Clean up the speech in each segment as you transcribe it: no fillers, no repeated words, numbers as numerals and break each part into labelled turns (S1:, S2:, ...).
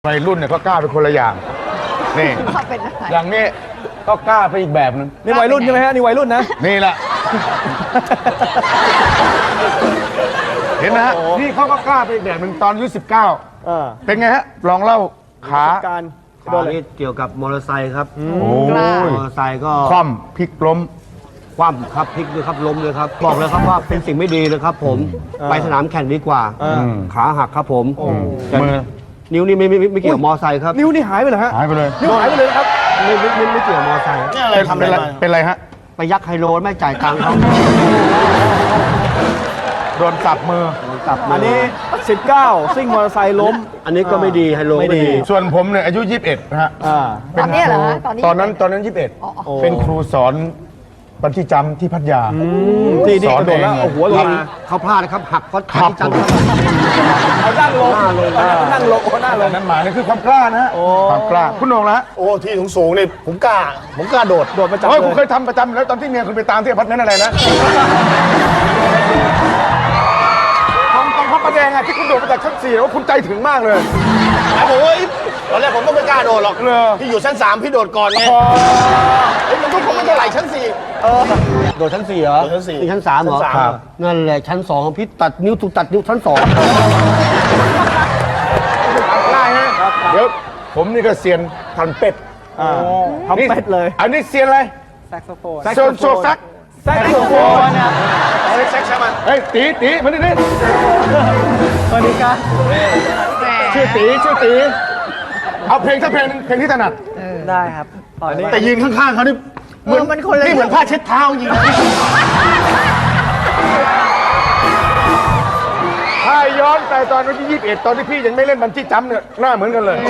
S1: วัยรุ่นเนี่ยก็กล้าเป็นคนละอย่างนี่
S2: เขาเป็นอะไร
S1: อย่างนี้ก็กล้าไปอีกแบบนึง
S3: นี่วัยรุ่นใช่ไหมฮะนี่วัยรุ่นนะ
S1: นี่แหละ เห็นไหมฮะนี่เขาก็กล้าไปอีกแบบนึงตอนอายุ19เป็นไงฮะลองเล่าขา
S3: การโด
S4: ตอน น
S3: เลย
S4: นี้เกี่ยวกับมอเตอร์ไซค์ครับ
S1: โอ้
S2: กล้า
S1: ย
S4: มอเตอร์ไซค์ก็
S1: คว่ำพลิกล้ม
S4: คว่ำครับพลิกด้วยครับล้มเลยครับบอกเลยครับว่าเป็นสิ่งไม่ดีเลยครับ ผมไปสนามแข่งดีกว่า ขาหักครับผมแต่
S1: มือ
S4: นิ้วนี่ไม่เกี่ยวกับมอเตอร์ไซค์ครับ
S3: นิ้วนี่หายไปเหรอฮะ
S1: หายไปเลย
S3: นิ้วหายไปเลยนะครับ
S4: ไม่เกี่ยวกับมอเตอร์ไซค์
S5: นี่อะไรทำอะไรมา
S1: เป็นไรฮะ
S4: ไปยักไฮโลไม่จ่ายตังค์เขา
S1: โดนสับมือ
S4: กลับมา
S3: อันนี้ 19 ซิ่งมอเตอร์ไซค์ล้ม
S4: อันนี้ก็ไม่ดีไฮโล
S3: ไม่ดี
S1: ส่วนผมเนี่ยอายุ21นะฮะ
S2: ตอนเนี้ยเหรอฮะตอนนี้
S1: ตอนนั้น21เป็นครูสอนบัญชีจำที่พัทยา
S3: ที่นี่
S1: สอน
S3: กระโดดแล้ว
S1: เองเลย
S3: เอาหัวลงมา
S4: เขาพลาดนะครับหักเพราะ
S1: ครับ
S4: ที่จังครับ
S3: เอานั่งลงนั่งลงนั่งล
S1: แต่
S3: ง
S1: นั้นหมายนี่คือความกล้านะฮะ
S3: โอ้
S1: ความกล้าคุณโหน่งละ
S5: โอ้ที่สูงๆนี่ผมกล้าโดด
S3: โดดประจำ
S1: เฮ้ย
S3: เล
S1: คุณเค
S3: ย
S1: ยทำประจำแล้วตอนที่เมียคุณไปตามที่อพาร์ตเมนต์อะไรนะตรงพระประแดงอะที่คุณโดดมาจากชั้น4ว่าคุณใจถึงมากเลย
S5: แล้วผมว่าตอนแรกผมก็ไม่กล้าโดดหรอก
S1: เหรอ
S5: พี่อยู่ชั้น 3 พี่โดดก่อนไงเฮ้ยมันทุกคนไม่เท่าไหร่ชั้น 4
S4: โดดชั้น 4เหรอ
S5: โดดชั้น4
S4: นี่ชั้น 3เหรอ
S5: ชั้น
S1: ครับ
S4: นั่นแหละชั้น2ของพี่ตัดนิ้วถูกตัดนิ้วชั้น 2
S1: ได้ฮะเดี๋ยวผมนี่ก็เซียนทันเป็ด
S3: ทำเป็ดเลย
S1: อันนี้เซียนอะไร
S3: แซกโซโฟน
S1: โซนโซซัก
S3: แซกโซโฟนนะ
S5: เอาเลยแซกใช่ไหม
S1: เฮ้ยตีมาดิ
S3: สวัสดีครับ
S1: ชื่อตีเอาเพลงสักเพลงหนึ่งเพลงที่ถนัด
S3: ได้ครับอันนี้
S5: แต่ยืนข้างๆเขานี่
S2: มันคนละ
S5: นี่เหมือนผ้าเช็ดเท้าจริงนะ
S1: ถ้าย้อนไปตอนวันที่21ตอนที่พี่ยังไม่เล่นบัญชีจัมป์เนี่ยหน้าเหมือนกันเลย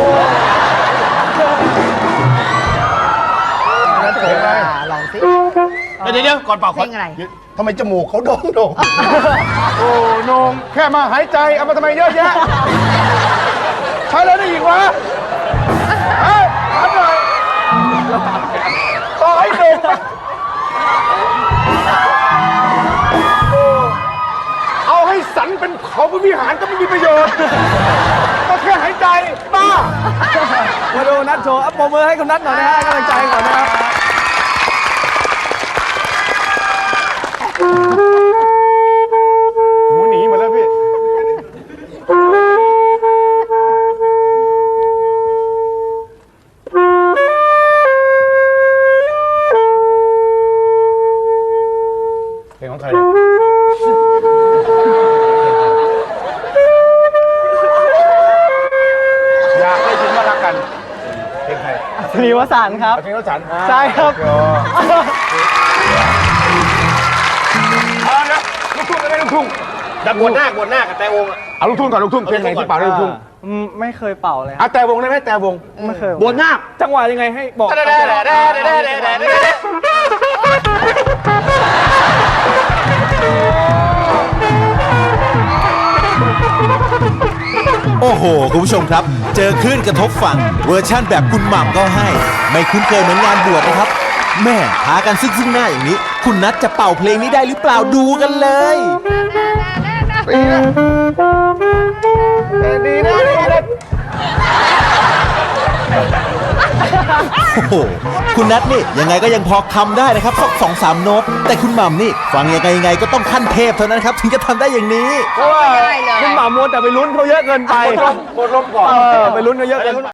S1: เพลงอะไร
S2: ลองสิ
S5: เดี๋ยวก่อนเป่า
S2: เพลงอะไร
S5: ทำไมจมูกเขาโด่ง
S1: โอ้โหนงแค่มาหายใจเอามาทำไมเยอะแยะใช้แล้วได้อีกวะเฮ้ยถามหน่อยต่อให้โด่งเอาให้สันเป็นเขาเป็นวิหารก็ไม่มีประโยชน์ก็แค่หายใจบ้า
S3: มาดูนัดโชว์อัปโปรมือให้คุณนัดหน่อยนะฮะให้กำลังใจก่อนนะครับ
S1: หมูหนีหมดแล้วพี่เพลงของใครอยากได้ยินว่ารักกันเพลงใคร
S3: สรีวสานครับ
S1: เพลงรถฉัน
S3: ใช่ครับ
S1: เอาละลูกทุ่งก็ได้ลูกทุ่ง
S5: ๆดับบวชหน้ากับแต่องค์อะ
S1: เอาลูกทุ่งก่อนลูกทุ่งเพลงไหนที่เป่าได้ลูกทุ่ง
S3: ไม่เคยเป่าเลย
S1: อ่ะแต่วงได้ไหมแต่วง
S3: ไม่เคย
S4: บวชนาค
S3: จังหวะยังไงให้บอก
S6: โอ้โห คุณผู้ชมครับ เจอคลื่นกระทบฝั่งเวอร์ชั่นแบบคุณหม่ำก็ให้ ไม่คุ้นเคยเหมือนงานบวชนะครับ แม่พากันซึ่งหน้าอย่างนี้ คุณนัทจะเป่าเพลงนี้ได้หรือเปล่าดูกันเลย
S1: ดีนะดีนะ
S6: โอ้โห คุณนัทนี่ยังไงก็ยังพอคำได้นะครับสัก2-3 โน้ต แต่คุณหม่ำนี่ฟังยังไงก็ต้องขั้นเทพเท่านั้นครับถึงจะทำได้อย่างนี้
S3: เพราะว่าคุณหม่ำมัวแต่ไปลุ้นเขาเยอะเกินไป
S1: หมดลมก่อน
S3: ไปลุ้นเขาเยอะเกินไป